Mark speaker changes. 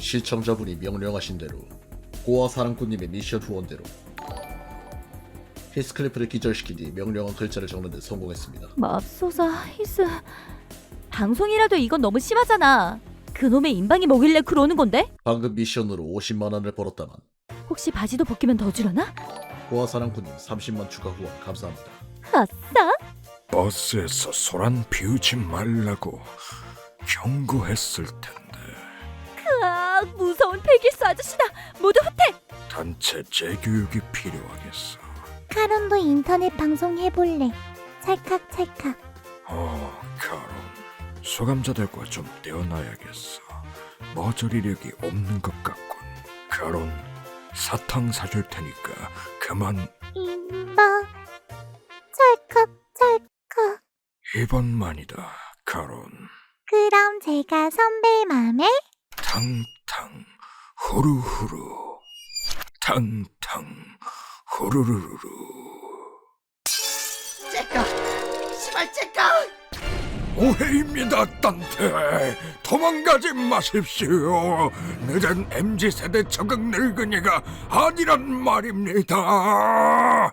Speaker 1: 시청자분이 명령하신 대로 고아 사랑꾼님의 미션 후원대로 히스클리프를 기절시킨 뒤 명령한 글자를 적는 데 성공했습니다.
Speaker 2: 맙소사 히스. 방송이라도 이건 너무 심하잖아. 그놈의 인방이 뭐길래 그러는 건데?
Speaker 1: 방금 미션으로 50만 원을 벌었다만
Speaker 2: 혹시 바지도 벗기면 더 주려나?
Speaker 1: 고아 사랑꾼님 30만 추가 후원 감사합니다.
Speaker 2: 아싸!
Speaker 3: 버스에서 소란 피우지 말라고 경고했을 텐데.
Speaker 2: 아, 무서운 폐기수 아저씨다. 모두 후퇴!
Speaker 3: 단체 재교육이 필요하겠어.
Speaker 4: 카론도 인터넷 방송 해볼래. 찰칵찰칵.
Speaker 3: 카론. 수감자들과 좀 떼어놔야겠어. 머저리력이 없는 것 같군. 카론, 사탕 사줄 테니까 그만.
Speaker 4: 인방. 찰칵찰칵.
Speaker 3: 이번만이다, 카론.
Speaker 4: 그럼 제가 선배 맘에
Speaker 3: 탕탕 후루후루. 탕탕 후루루루. 오해입니다, 딴테. 도망가지 마십시오. 늦은 MZ세대 적응 늙은이가 아니란 말입니다.